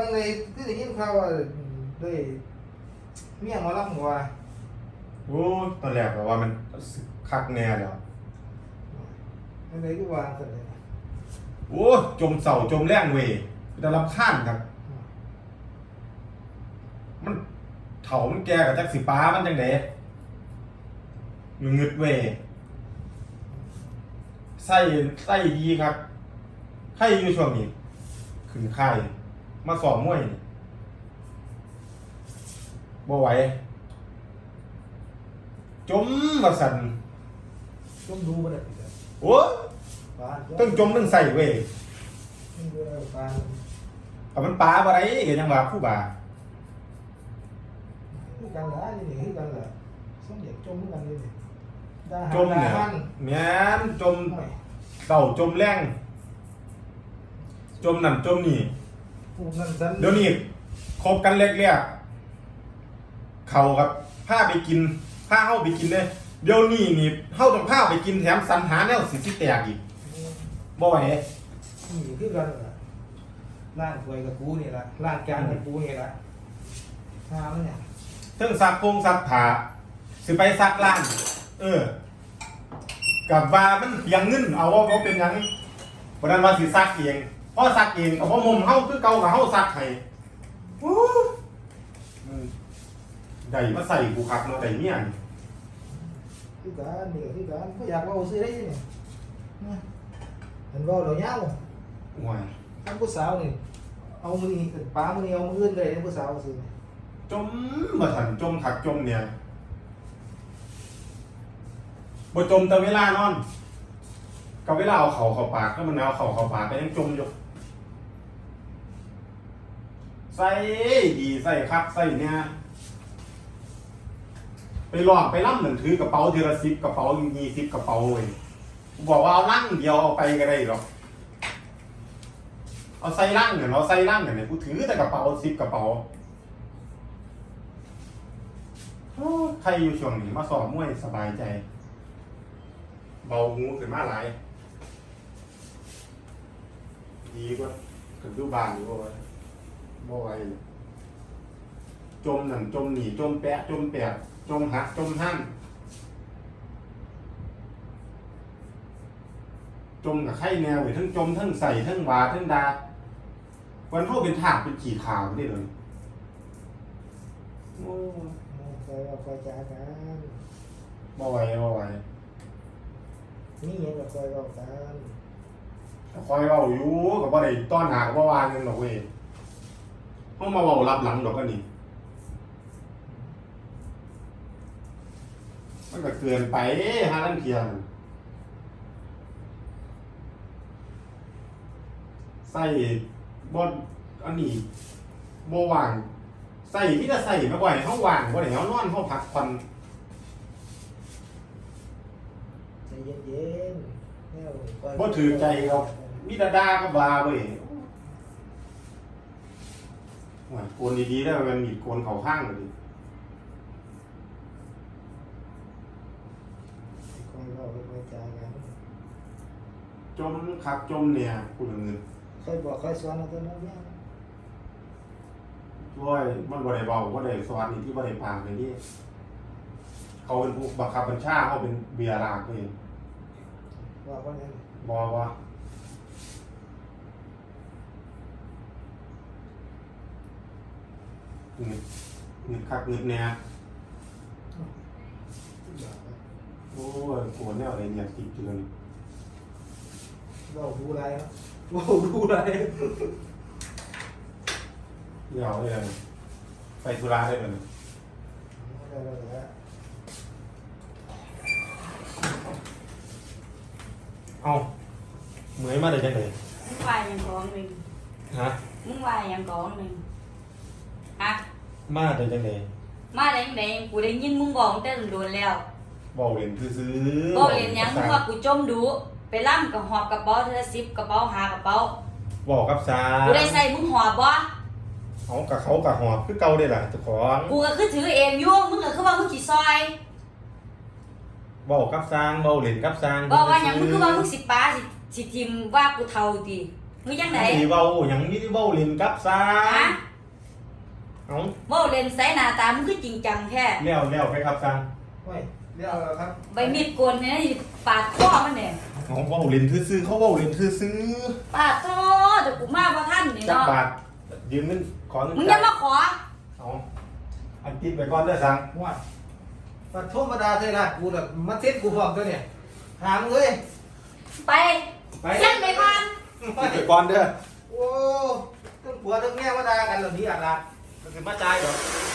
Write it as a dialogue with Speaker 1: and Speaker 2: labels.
Speaker 1: างในคือได้ยินข่าวว่าด้วยเมียหมอลำว่า
Speaker 2: โอ้ตอนแรกก็ว่ามันคักแน่แล้ว
Speaker 1: อันไหนก็วางกันเลย
Speaker 2: โอ้จมเสาจมแรงเว้ยได้รับข้านครับมันเถามันแก่กับจักสิป้ามันจังได๋งึดเว้ยไส้ดีครับไข่อยู่ช่วงนี้ขึ้นไข่มาสอบมวยนี่บ่ไหวจมว่าสั่น
Speaker 1: จมดูบ่ได้
Speaker 2: โอ้ต้องจมต้องใส่เว้ยเอามันปลาบ่ได้ก็ยังว่าผู้บ่า
Speaker 1: คือกันล่ะนี่คือกันล่ะสมเด็จจมกันนี่
Speaker 2: จมเนี่ยแม่นจมเต่าจมแรงจมนั่นจมนี่เดี๋ยวนี้คบกันเล็กๆเขากับผ้าไปกินผ้าเฮาไปกินเด้เดี๋ยวนี้นี่เฮาต้องผ้าไปกินแถมสรรหาแนวสิแตกอีกบ่ไหว
Speaker 1: นี่คือกันล่ะร่างถวยกับกูนี่ล่ะร่างจานกับกูนี่ล่ะหามันเนี่ย
Speaker 2: เทิงซักโคงซักผ้าสิไปซักร้านกับว่ามันเพียงเงินเอาว่าเป็นหยังบ่นั้นว่าสิซักเองพอซักเองก็บ่มุมเฮาคือเก่ากับเฮาซักให้ได้มาใส่กูคักเนาะได้เมียนี่
Speaker 1: คือกันนี่คือกันบ่อยากเว้าซื่อได้นี่เห็นเว้าแล้วยาว
Speaker 2: โอ้ย
Speaker 1: ทั้งผู้สาวนี่เอามือนี่ป้ามือนี่เอามืออื่นเลยทั้งผู้สาวซื่อ
Speaker 2: จมมาถันจมถักจมเนี่ยบ่จมแต่เวลานอนกับเวลาเอาเข่าเข้าปากก็มันเอาเข่าเข้าปากก็ยังจมอยู่ใส่ดีใส่คักใส่เนี่ยไปลองไปล่ำเหมือนถือกระเป๋าทีละ10กระเป๋า20กระเป๋าเว้ยบอกว่าเอาลังเดียวเอาไปก็ได้หรอกเอาใส่ลังเนี่ยเราใส่ลังเนี่ยกูถือแต่กระเป๋า10กระเป๋าใครอยู่ช่วงนี้มาสอบมวยสบายใจเบาหูขึ้นมาหลายดีกว่าขึ้นดูบานอยู่บ่ไหวจมนั่นจมหนีจมแปะจมแปดจมหักจมหั่นจมกับไข่แนวทั้งจมทั้งใส่ทั้งวาทั้งดาวันเข้าเป็นถากเป็นขี่ขาวได้เลย
Speaker 1: โอ้คอยเอาคอยจ้ากัน
Speaker 2: บ่ไหว
Speaker 1: นี่ยังกับคอยเอากัน
Speaker 2: คอยเว้าอยู่กับบ่ได้ต้อนหากับบ่วางเงินดอกเว้ยเฮามาเว้ารับหลังดอกก็นี่มันก็เกินไปหาลังเทียนใส่บ่อันนี้บ่ว่างใส่ที่จะใส่มาบ่อยเฮาว่างบ่ได้เฮานอนเฮาพักผ่อน
Speaker 1: ใจเย็นๆ
Speaker 2: บ่ถือใจเรามีดาก็บาเว้ยโอ้ยโกนดีๆแล้วมันมีโกนเข้าข้างเลย
Speaker 1: คอยเอาคอยจ้ากัน
Speaker 2: จมคักจมเนี่ยพูดเงิน
Speaker 1: คอยบอกคอยสอนเอาตัวนั้นเนี่ย
Speaker 2: โอ้ยมันบ่ได้เว้าบ่ได้สอนนี่ที่บ่ได้ปากเลยนี่เขาเป็นผู้บังคับบัญชาเขาเป็นเบียร์ลากเอง
Speaker 1: ว่าว่าไง
Speaker 2: บอกว่าเงินคักเงินเนี่ยโอ้ยโกรธแนวอะไรเนี่ยติดอยู่เลย
Speaker 1: เราดูอะไรครับเราดูอะไร
Speaker 2: เดี๋ยวเลยไปธุระได้เลยเอาเหมือนมาได้จังเลย
Speaker 3: มึงวายยังก้อนหนึ่ง
Speaker 2: ฮะ
Speaker 3: มึงวายยังก้อนหนึ่งฮะ
Speaker 2: มาได้จังเลย
Speaker 3: มาได้ยังไงกูได้ยินมึงบอกตั้งแต่โดนแล้ว
Speaker 2: บอกเรียนซื้อ
Speaker 3: บอกเรียนยังมึงว่ากูจมดูไปล่ำกับหอบกระเป๋าเธอ10กระเป๋า5กระเป๋า
Speaker 2: บอกกับซา
Speaker 3: กูได้ใส่มึงหอบบ่
Speaker 2: เขากับหอบคือเก่าได้ล่ะเจ้าของ
Speaker 3: กูก็คือถือเองอยู่มึงก็คือว่ามึงขี่ซอย
Speaker 2: บอกกับซางบอกเรียนกับซาง
Speaker 3: บอกว่าอย่างมึงคือว่ามึงสิป้าสิทิมว่ากูเท่าดีมึงยังไง
Speaker 2: มีเว้าหยังมีเว้าเล่นกับซา
Speaker 3: ฮะ
Speaker 2: เอา
Speaker 3: เว้าเล่นใส่หน้าตามึงคือจริงจังแท้
Speaker 2: แล้วไปครับซัง
Speaker 1: โอ้ยเรียกเอาครับ
Speaker 3: ใบมีดโกนเนี่ยปาดคอมันเนี่ย
Speaker 2: เขาเว้าเล่นซื่อๆเขาเว้าเล่นซื่อ
Speaker 3: ปาดคอแต่กูมาบ่ทันนี่
Speaker 2: ๆจัก
Speaker 3: เนาะ
Speaker 2: บาทยืมเงินขอเงิน
Speaker 3: มึงอยังมาขอ
Speaker 2: เอาอันติดไปก่อนเด้อซัง
Speaker 1: ว่าปัดธรรมดาเท่านั้นกูแบบมาเซ็ตกูพร้อมตัวเนี่ยถามเลย
Speaker 3: ไป
Speaker 1: ไป
Speaker 3: เส้นไปก่อน
Speaker 2: ติดไปก่อนเด้อ
Speaker 1: โอ้ต้องผัวต้องแม่มาด่ากันเหล่านี้อ่ะล่ะมันเป็นมาจ่ายเหรอ